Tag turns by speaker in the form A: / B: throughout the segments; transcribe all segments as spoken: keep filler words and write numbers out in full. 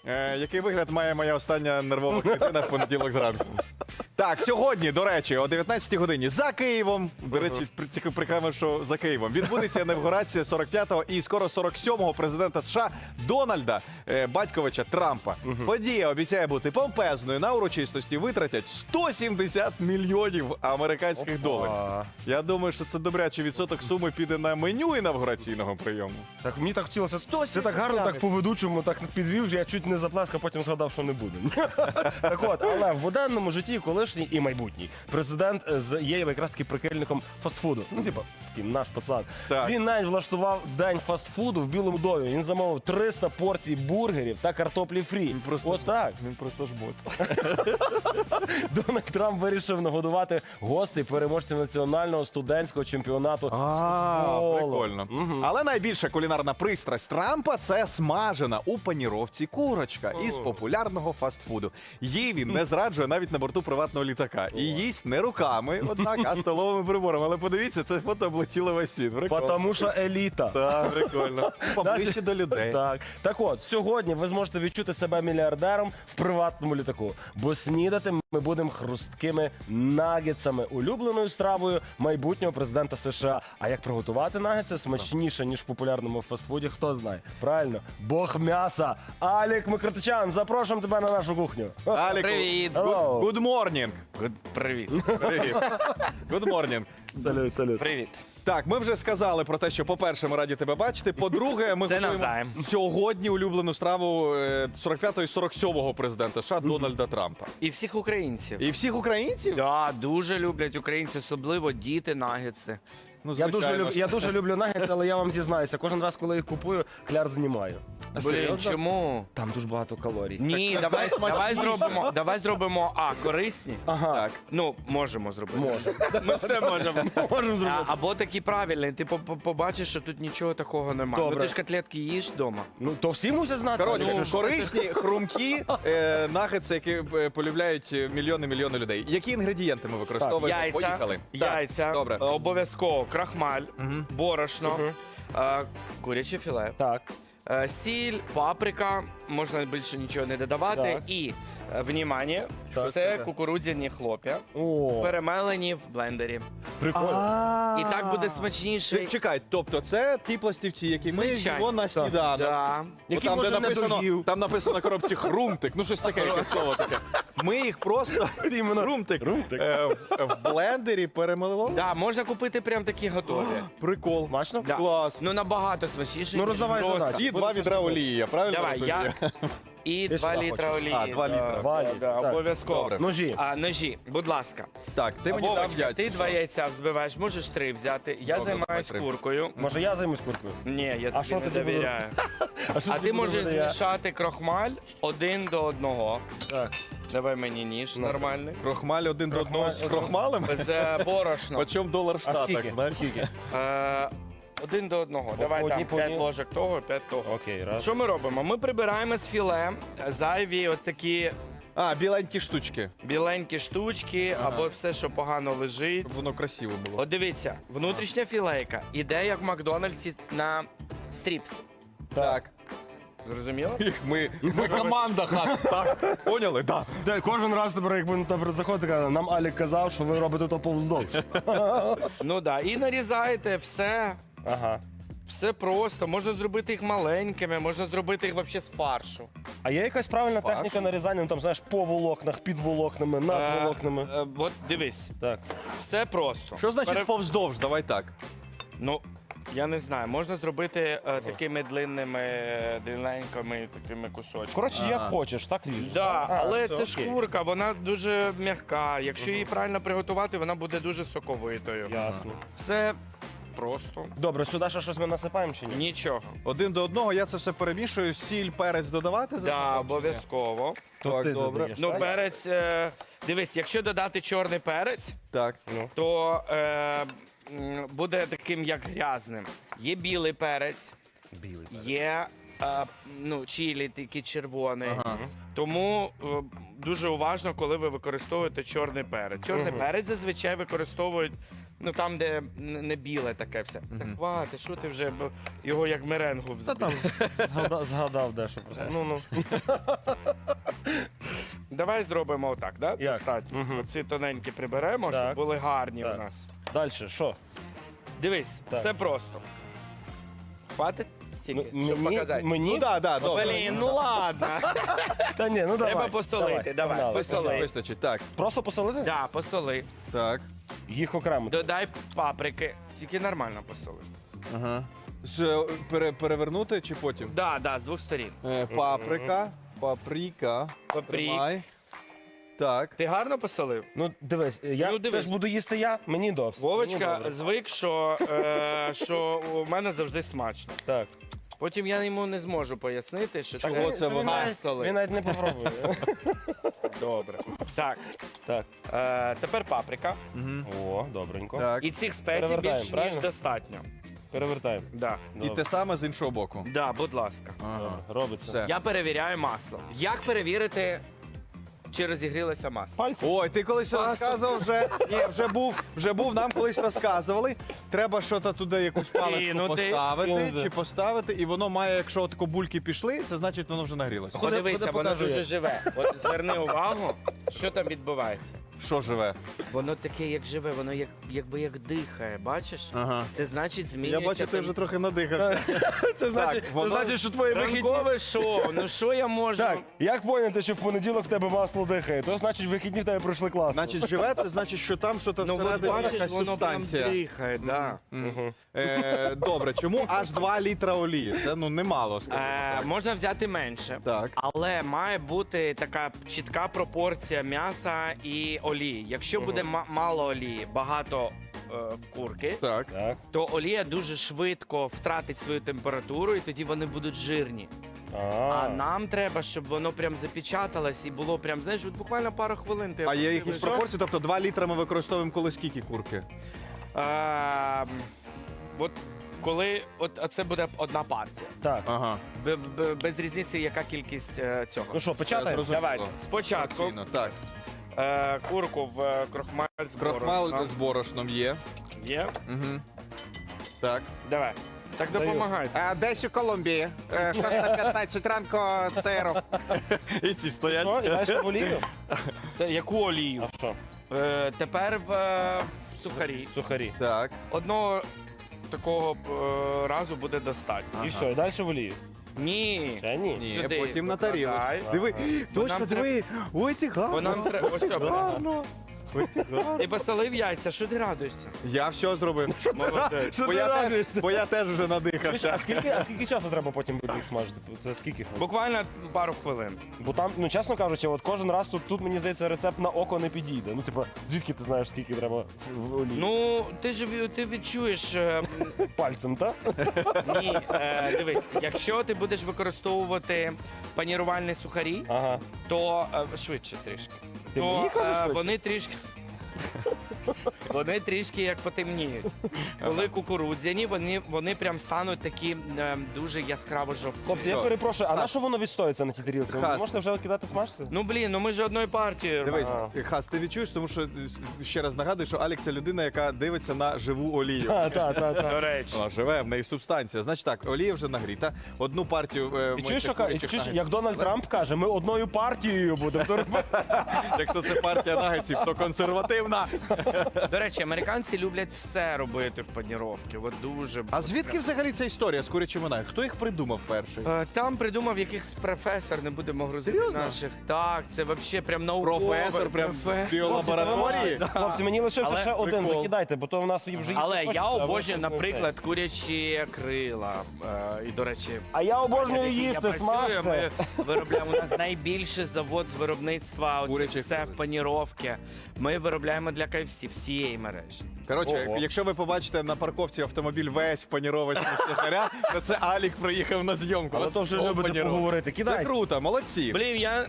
A: Е, який вигляд має моя остання нервова клітина в понеділок зранку? Так, сьогодні, до речі, о дев'ятнадцятій годині за Києвом, до речі, при- прикольно, що за Києвом, відбудеться інавгурація сорок п'ятого і скоро сорок сьомого президента США Дональда е, Батьковича Трампа. Подія обіцяє бути помпезною. На урочистості витратять сто сімдесят мільйонів американських доларів. Я думаю, що це добрячий відсоток суми піде на меню інавгураційного прийому.
B: Так мені так хотілося.
A: сто
B: Це так гарно, так по ведучому, так підвів, що я чуть не заплескав, потім згадав, що не буде. Так от, але в буденному житті колишній і майбутній президент з- є якраз таки прихильником фастфуду. Ну, типа, такий наш пацан.
A: Так.
B: Він навіть влаштував день фастфуду в Білому домі. Він замовив триста порцій бургерів та картоплі фрі.
A: просто
B: От так.
A: Він просто жмот.
B: Дональд Трамп вирішив нагодувати гостей переможців національного студентського чемпіонату з футболу.
A: Прикольно. Але найбільша кулінарна пристрасть Трампа – це смажена у паніровці курочка із популярного фастфуду. Її він не зраджує навіть на борту приватного літака. І їсть не руками, однак, а столовими приборами. Але подивіться, це фото облетіло весь світ. Прикольно.
B: Потому що еліта.
A: Так, прикольно. Поближче до людей.
B: Так. Так от, сьогодні ви зможете відчути себе мільярдером в приватному літаку, бо снідати ми будемо хрусткими нагетсами, улюбленою стравою майбутнього президента США. А як приготувати нагетси смачніше, ніж в популярному фастфуді, хто знає? Правильно, Бог м'яса. Алік Микротичан, запрошуємо тебе на нашу кухню.
A: Аліку,
C: Привіт.
A: Good, good morning.
C: Привіт.
A: Привіт. Good morning.
B: Салют, салют.
C: Привіт.
A: Так, ми вже сказали про те, що, по-перше, ми раді тебе бачити. По-друге, ми
C: Це
A: готуємо
C: навзаєм.
A: сьогодні улюблену страву е, сорок п'ятого і сорок сьомого президента США Дональда Трампа.
C: І всіх українців.
A: І всіх українців?
C: Да, дуже люблять українці, особливо діти нагетси.
A: Ну,
B: Я дуже,
A: звичайно
B: люб...
A: ж.
B: я дуже люблю нагетси, але я вам зізнаюся, кожен раз, коли їх купую, кляр знімаю.
A: А
C: Блін,
A: серйозно?
C: чому?
B: Там дуже багато калорій.
C: Ні, давай, давай зробимо, давай зробимо, а, корисні.
B: Ага.
A: Так.
C: Ну, можемо зробити.
B: Можемо.
C: Ми все можемо.
B: Можемо
C: А,
B: зробити.
C: або такі правильні, ти по- по- побачиш, що тут нічого такого немає.
B: Добре.
C: Ну ти ж котлетки їш вдома.
B: Ну, то всі мусять знати.
A: Коротше,
B: Ну,
A: корисні, хрумкі е, нагетси, які е, полюбляють мільйони-мільйони людей. Які інгредієнти ми використовуємо?
C: Яйця,
A: Поїхали. Так,
C: яйця,
A: Добре.
C: е, обов'язково крахмаль, борошно, е, куряче філе.
B: Так.
C: Е, Сіль, паприка, можна більше нічого не додавати.
B: Так.
C: І, е, внімання,
B: Так,
C: це
B: так.
C: кукурудзяні хлоп'я,
B: О,
C: перемелені в блендері.
B: прикольно.
C: І так буде смачніше.
A: Ч- Чекай, тобто це ті пластівці, які ми
C: Звичайно.
A: їмо на сніданок.
C: Да.
A: От
B: Які,
A: там, де
B: може, не
A: написано,
B: доїв.
A: там написано на коробці хрумтик, ну щось таке, яке слово таке. Ми їх просто хрумтик,
B: Хрумтик.
A: е, в, в блендері перемелили.
C: Да, можна купити прям такі готові.
A: Прикол.
B: Смачно?
C: Да.
A: Клас.
C: Ну набагато смачніше.
B: Ну,
C: ніж
B: роздавай
C: просто.
B: задачу.
A: І два відра олії, я правильно
C: Давай,
A: розумію?
C: я і
B: Ти
C: два
B: сюди
C: літра
B: хочеш?
C: олії.
A: А, два
C: Да,
A: літра.
B: Два
C: да,
B: літра,
C: да,
B: так.
C: обов'язково.
A: Добре.
B: Ножі.
C: А, ножі, будь ласка.
A: Так, ти мені дав
C: Вовочка,
A: яйця.
C: ти
A: що?
C: два яйця взбиваєш, можеш три взяти. Я
A: Добре,
C: займаюсь
A: давай три.
C: куркою.
B: Може, я займусь куркою?
C: Ні, я
B: А
C: тобі
B: що
C: не
B: тоді буду?
C: довіряю.
B: що
C: А
B: тоді
C: ти
B: буду
C: можеш
B: робити я?
C: змішати крохмаль один до одного.
B: Так.
C: Давай мені ніж нормальний.
A: Крохмаль один до одного з крохмалем?
C: З е, борошном.
A: Почем долар в
B: А
A: Штатах,
B: скільки?
A: знаєш?
B: Скільки?
C: Е, Один до одного. Давай
B: одній
C: там
B: по
C: п'ять
B: одній?
C: ложок того, п'ять того.
B: Окей, раз.
C: Що ми робимо? Ми прибираємо з філе зайві от такі
A: А, біленькі штучки.
C: біленькі штучки або все, що погано лежить.
A: Щоб воно красиво було.
C: От дивіться, внутрішня філейка іде як в Макдональдсі на стріпс.
A: Так.
C: Зрозуміло?
A: Ми, ми команда, хат. Так, поняли? Так.
B: Де, кожен раз тепер, якби наприклад, заходить, каже, нам Алік казав, що ви робите то повздовж.
C: Ну так. І нарізаєте все.
B: Ага.
C: Все просто. Можна зробити їх маленькими, можна зробити їх взагалі з фаршу.
B: А є якась правильна
A: Фарш?
B: техніка нарізання, ну там, знаєш, по волокнах, під волокнами, над
C: Е,
B: волокнами.
C: е, От дивись,
B: Так.
C: все просто.
A: Що значить
C: Пере-
A: повздовж? Давай так.
C: Ну, я не знаю, можна зробити е, такими длинними, е, длинненькими такими кусочками.
B: Коротше, як хочеш, так ріжеш.
C: Да,
B: А,
C: але
B: все,
C: це
B: окей.
C: шкурка, вона дуже м'яка. Якщо її правильно приготувати, вона буде дуже соковитою.
B: Ясно.
C: Все просто.
B: Добре, сюди ще щось ми насипаємо чи ні?
C: Нічого.
A: Один до одного я це все перемішую. Сіль, перець додавати? за
C: Да,
A: смаком чи ні?
C: обов'язково.
B: То
A: Так,
B: ти
A: добре.
B: додаєш,
C: Ну,
B: так?
C: перець. Е, дивись, якщо додати чорний перець,
A: Так.
C: то е, м, буде таким як грязним. Є білий перець,
B: Білий.
C: є е, ну, чилі, такий червоний. Тому е, дуже уважно, коли ви використовуєте чорний перець. Чорний перець зазвичай використовують Ну там, де н- не біле таке все. Так хвати, що ти вже бо його як меренгу
B: Та
C: взбив.
B: там згадав, згадав дещо просто. Ну, ну.
C: Давай зробимо отак, да?
B: Як?
C: Достатньо.
B: Мгм.
C: Оці тоненькі приберемо,
B: Так.
C: щоб були гарні
B: Так.
C: у нас.
B: Далі, що?
C: Дивись,
B: Так.
C: все просто. Хватить стільки,
B: М-
C: щоб
B: мені-
C: показати?
B: Мені?
A: Ну да, да, добре.
C: Блін, ну ладно.
B: Та ні, ну давай.
C: Треба посолити, давай,
B: погнали.
C: посоли.
A: Вистачить. Так,
B: Просто посолити?
C: Да, посоли.
A: так.
B: Їх окремо.
C: Додай паприки. Тільки нормально посоли.
A: Ага. З, е, пере, перевернути чи потім?
C: Да, да, з двох сторін.
A: Е, паприка, паприка.
C: Паприк.
A: Тримай. Так.
C: Ти гарно посолив?
B: Ну, дивись, я
C: Ну,
B: це
C: дивись.
B: ж буду їсти я, мені досить. Мені
C: Вовочка
B: добре.
C: звик, що, е, що у мене завжди смачно.
B: Так.
C: Потім я йому не зможу пояснити, що
A: Так,
C: це,
A: оце
B: Він
A: воно.
B: навіть-
C: Масоли.
B: Він навіть не попробує.
C: Добре. Так,
B: Так.
C: е, тепер паприка.
B: О, добренько.
A: Так.
C: І цих спецій
B: Перевертаємо,
C: більш ніж
B: правильно?
C: достатньо.
B: Перевертаємо.
C: Да.
A: І те саме з іншого боку.
C: Да, будь ласка.
A: Ага.
B: Добре, робиться.
A: Все.
C: Я перевіряю масло. Як перевірити, чи розігрілося масло?
B: Пальці.
A: Ой, ти колись
C: Пасо.
A: розказував вже. Ні, вже був, вже був, нам колись розказували. Треба щось туди якусь паличку
C: Кинути.
A: поставити
B: Кинути.
A: чи поставити, і воно має, якщо отако бульки пішли, це значить воно вже нагрілося.
C: Подивися,
B: ходи,
C: воно
B: покажи,
C: дуже
B: як.
C: живе. От зверни увагу, що там відбувається.
A: Що живе?
C: Воно таке, як живе, воно як, якби як дихає, бачиш?
A: Ага.
C: Це значить,
A: Я
C: змінюється.
A: бачу, ти
C: там-
A: вже трохи надихався.
B: Це значить, це
A: воно-
B: значить, що твої вихідні...
C: Ранкове шоу, ну що я можу?
B: Так, як поняти, що в понеділок в тебе масло дихає? То значить, вихідні в тебе пройшли класно.
A: Значить, живе, це значить, що там щось
C: Ну, от
A: всередині
C: бачиш,
A: якась
C: воно прям
A: субстанція.
C: дихає, да.
A: Е, добре, чому аж два літра олії? Це ну немало, скажімо
C: Е,
A: так.
C: можна взяти менше.
A: Так.
C: Але має бути така чітка пропорція м'яса і олії. Якщо буде ма- мало олії, багато е, курки,
A: Так.
B: Так.
C: то олія дуже швидко втратить свою температуру, і тоді вони будуть жирні. А нам треба, щоб воно прям запечаталось і було прям, знаєш, от буквально пару хвилин. Ти
A: А є
C: опустив
A: якісь
C: і все.
A: пропорції? Тобто два літра ми використовуємо коли скільки курки?
C: Ем, От коли от а це буде одна партія.
B: Так.
A: Ага.
C: Б- б- Без різниці, яка кількість е, цього.
B: Ну що, початаємо?
A: зрозумів.
C: Давай, спочатку
A: Порційно, Так.
C: е, курку в е, крохмаль з
A: Крохмал
C: борошном.
A: з борошном є.
C: Є?
A: Угу. Так.
C: Давай. Так
B: Даю.
C: допомагай.
A: А десь у Колумбії. шоста п'ятнадцять ранку цейру. І ці стоять.
B: Що, і далі в олію?
C: Та яку олію?
B: А що?
C: Е, тепер в е, сухарі.
B: Сухарі.
A: Так.
C: Одного такого е, разу буде достатньо.
B: І все, і далі в олію.
C: Ні.
B: Ще ні?
A: Ні,
C: Сюди
A: потім на тарілочку.
C: викладай.
A: Диви,
C: Бо
A: точно,
C: нам
A: диви. Ой, ти
C: Бо
A: гарно.
C: нам треба. Ось це.
A: Гарно. Ой, ти гарно.
C: Ти посолив яйця, що ти радуєшся?
A: Я все зробив.
C: Молодець.
B: Що
A: Бо
B: ти
A: я, теж,
B: радуєшся?
A: бо я теж вже надихався.
B: А скільки, а скільки часу треба потім буде їх смажити? Це скільки хвилин?
C: Буквально пару хвилин.
B: Бо там, ну чесно кажучи, от кожен раз тут, тут мені здається, рецепт на око не підійде. Ну, типу, звідки ти знаєш, скільки треба в олії?
C: Ну, ти ж ві- ти відчуєш. е,
B: Пальцем, так?
C: Ні, е, дивись, якщо ти будеш використовувати панірувальні сухарі,
B: Ага.
C: то е, швидше трішки.
B: Ти
C: То
B: мені кажеш
C: е,
B: швидше?
C: вони трішки. Вони трішки як потемніють. Коли кукурудзяні, вони, вони прям стануть такі е, дуже яскраво жовті.
B: Хлопці, я
A: Все.
B: перепрошую, а на що воно відстоїться на тій тарілці? Ви
A: Хас.
B: можете вже кидати смажити?
C: Ну блін, ну ми ж одної партії.
A: Дивись,
B: А.
A: Хас, ти відчуєш, тому що е, ще раз нагадую, що Алік це людина, яка дивиться на живу олію.
B: Так, так, так.
C: До
B: так.
C: речі.
A: Вона живе, в неї субстанція. Значить так, олія вже нагріта. Одну партію. е,
B: І
A: ми
B: чуєш, що
A: цих
B: ка- і
A: курячих
B: чуєш,
A: нагетсів-
B: як Дональд Трамп каже, ми одною партією будемо. То
A: Якщо це партія нагетсів, то консервативна.
C: До речі, американці люблять все робити в паніровці. От дуже.
A: А звідки взагалі ця історія з курячими нагетсами? Хто їх придумав перший?
C: Е, Там придумав якийсь професор, не будемо грузити
A: Серйозно?
C: наших. Так, це взагалі прям науковий.
A: Професор, прям в
C: професор.
A: біолабораторії?
B: Хлопці, мені лишився
C: Але
B: ще один,
A: прикол.
B: закидайте, бо то в нас вже їсти
C: Але
B: хочеться,
C: я
B: а ви
C: обожнюю,
B: щось не
C: наприклад, курячі крила. Е, І, до речі,
B: А я обожнюю
C: в якій я
B: їсти,
C: працюю,
B: смажте.
C: Ми виробляємо, у нас найбільший завод з виробництва оце
A: Курячих
C: все
A: крил.
C: в паніровці. Ми виробляємо для кей еф сі всієї мережі.
A: Коротше,
B: Ого.
A: якщо ви побачите на парковці автомобіль весь в панірованні сухаря, то це Алік приїхав на зйомку.
B: Але
A: Ось
B: то вже
A: все
B: любите
A: паніровано.
B: поговорити.
A: Це
B: Кидайте.
A: круто, молодці.
C: Блін, я.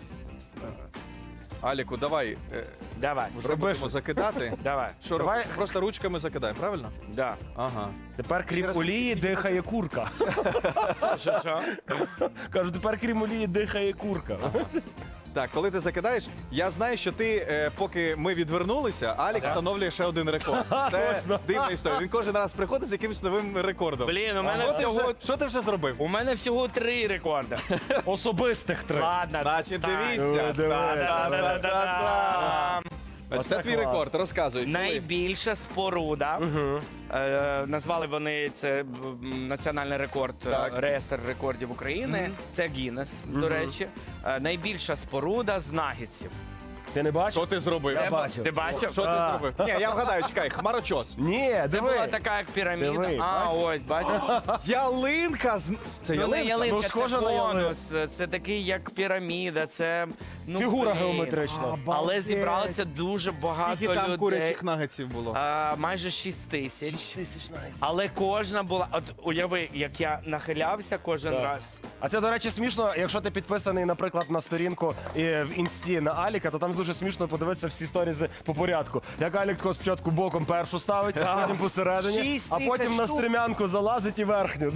A: Аліку, давай е,
C: Давай,
A: вже будемо закидати.
C: давай.
A: Що
B: Давай.
A: робимо? Просто ручками закидаємо, правильно?
C: Да.
A: Ага.
B: Тепер крім олії дихає курка.
C: Що, що?
B: Кажу, тепер крім олії дихає курка.
A: Так, коли ти закидаєш, я знаю, що ти, е, поки ми відвернулися, Алік встановлює ще один рекорд. Це дивна історія. Він кожен раз приходить з якимось новим рекордом.
C: Блін, у мене
A: Що ти
C: всього-
A: вже, що ти вже зробив?
C: У мене всього три рекорди.
B: Особистих три.
C: Ладно,
A: Значить,
C: достань.
A: дивіться.
B: Диви,
C: Та-да-да-да-да-да.
A: Значить, Це
B: Оце
A: твій
B: клас.
A: рекорд, розказуй. коли?
C: Найбільша споруда. Е, назвали вони це м, національний рекорд, е,
A: Так.
C: реєстр рекордів України. Це Гіннес, до речі. Е, найбільша споруда з нагідців.
B: Ти не бачив?
A: Що ти зробив?
B: Я
C: Це-
B: бачив.
C: Ти бачив?
A: Що ти
B: А.
A: зробив? Ні, я вгадаю, чекай, хмарочос.
B: Ні,
C: Це
B: диви.
C: була така як піраміда.
B: Диви,
C: а, ось, бачиш?
A: Ялинка з... Це
C: Ну, не
A: ялинка?
C: ялинка,
B: Ну,
C: це
B: схоже на ялинку.
C: конус, це такий як піраміда, це ну,
B: Фігура
C: блін.
B: геометрична.
C: Але зібралося дуже багато
A: Скільки там
C: людей.
A: курячих нагетсів було?
C: А, майже шість тисяч.
B: Тисяч навіть.
C: Але кожна була. От уяви, як я нахилявся кожен
B: Так.
C: раз.
B: А це, до речі, смішно, якщо ти підписаний, наприклад, на сторінку е, в інсті на Аліка, то там дуже смішно подивитися всі сторізи по порядку. Як Алік тако спочатку боком першу ставить, потім посередині,
A: Шість
B: а
A: тисяч
B: потім на
A: штук.
B: стрімянку залазить і верхню.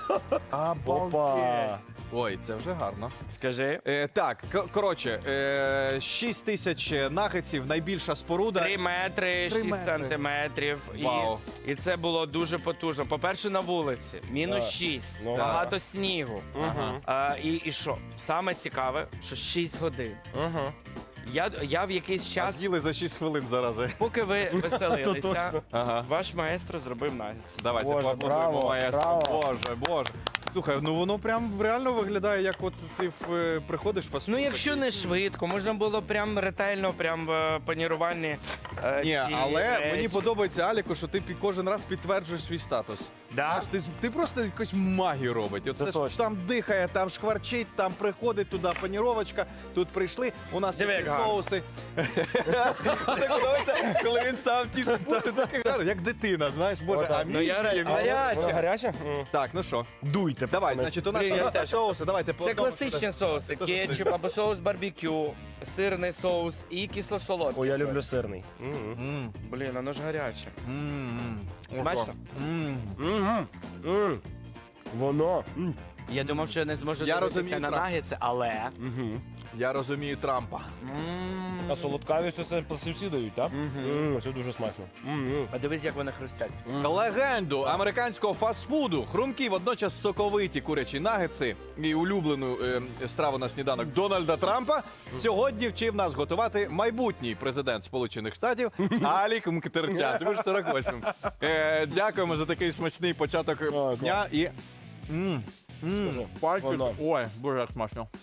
B: Опа.
A: Ой, це вже гарно.
C: Скажи.
A: Е, так, к- коротше, е, шість тисяч нагетсів, найбільша споруда.
C: Три метри,
A: Три
C: шість
A: метри.
C: сантиметрів.
A: Вау.
C: І, і це було дуже потужно. По-перше, на вулиці. Мінус
B: Так.
C: шість.
B: Ну,
C: багато снігу.
A: Ага.
C: А, і, і що? Саме цікаве, що шість годин.
B: Ага.
C: Я, я в якийсь
A: А
C: час,
A: з'їли за шість хвилин зарази.
C: поки ви веселилися,
B: точно.
A: Ага.
C: ваш маестро зробив нагіц.
A: Давайте
B: Боже,
A: поаплодуємо,
B: браво,
A: маестро.
B: браво.
A: Боже, боже. Слухай, ну воно прям реально виглядає, як от ти в, е, приходиш в фастфуд
C: Ну, якщо
A: такий.
C: не швидко, можна було прям ретельно, прям е, панірувальні. е,
A: Ні,
C: ці
A: але
C: речі.
A: мені подобається, Аліку, що ти пі- кожен раз підтверджуєш свій статус.
C: Да?
A: Знаєш, ти, з- ти просто якусь магію робить. Оце
B: Це
A: ж
B: точно.
A: там дихає, там шкварчить, там приходить туди паніровочка, тут прийшли, у нас
C: Диви,
A: є
C: як гарно.
A: соуси. Це подобається, коли він сам тішить, боже, таке гарно, як дитина, знаєш, боже,
B: Отак.
A: а
C: Ну, я
A: мій-
C: ре- гаряче.
B: Вона гаряча?
A: Так, ну що,
B: Дуйте.
A: давай,
B: пацани.
A: значить, у нас
C: Блін, я
A: є
C: теж.
A: соуси, давайте по
C: Це
A: одному
C: класичні
A: сюди.
C: соуси: кетчуп або соус барбекю, сирний соус і кисло-солодкий.
B: О, я
C: соус.
B: люблю сирний. М.
A: М,
C: Блін, воно ж гаряче.
A: м,
C: Смачно?
A: м.
B: Мгм. М. Воно. М.
C: Я думав, що я не зможу
A: Я
C: дивитися
A: розумію,
C: на
A: Трамп.
C: нагетси, але.
B: Мгм.
A: Я розумію Трампа.
C: М.
B: А солодкавість це всі дають, так? М, Це дуже смачно. М.
C: А дивись, як вони хрустять.
A: Легенду американського фастфуду, хрумкі, водночас соковиті курячі нагетси і улюблену е, страву на сніданок Дональда Трампа сьогодні вчив нас готувати майбутній президент Сполучених Штатів Алік Мктерчан. Ти будеш сорок восьмим. Е, дякуємо за такий смачний початок
B: клас.
A: дня і. М, м,
B: Скажи,
A: пальчик.
B: воно.
A: Ой, боже, як смачно.